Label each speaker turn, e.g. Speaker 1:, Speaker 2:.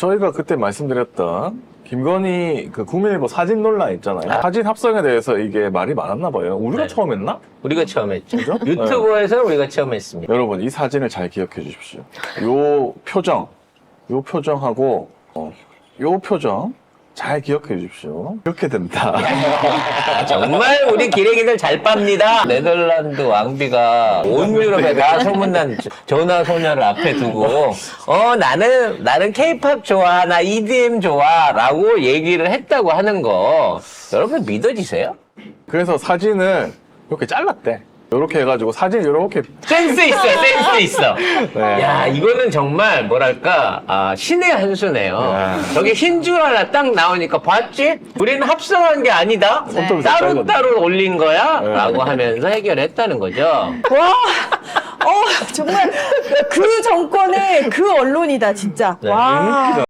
Speaker 1: 저희가 그때 말씀드렸던 김건희 그 국민일보 사진 논란 있잖아요. 사진 합성에 대해서 이게 말이 많았나 봐요. 우리가
Speaker 2: 네.
Speaker 1: 처음 했나?
Speaker 2: 우리가 처음 했죠.
Speaker 1: 그죠?
Speaker 2: 유튜브에서 우리가 처음 했습니다.
Speaker 1: 여러분 이 사진을 잘 기억해 주십시오. 요 표정하고 요 표정 잘 기억해 주십시오. 이렇게 됩니다.
Speaker 2: 정말 우리 기레기들 잘 빱니다. 네덜란드 왕비가 온 유럽에 다 소문난 전화 소녀를 앞에 두고 나는 케이팝 좋아, 나 EDM 좋아라고 얘기를 했다고 하는 거 여러분 믿어지세요?
Speaker 1: 그래서 사진을 이렇게 잘랐대. 이렇게 해가지고 사진 이렇게
Speaker 2: 센스 있어, 센스 있어.
Speaker 1: 네.
Speaker 2: 야, 이거는 정말 뭐랄까 신의 한 수네요.
Speaker 1: 네.
Speaker 2: 저게 흰 줄 하나 딱 나오니까 봤지? 우리는 합성한 게 아니다.
Speaker 1: 손톱을
Speaker 2: 따로 올린 거야?
Speaker 1: 네.
Speaker 2: 라고 하면서 해결했다는 거죠.
Speaker 3: 와, 정말 그 정권의 그 언론이다, 진짜.
Speaker 2: 네.
Speaker 3: 와.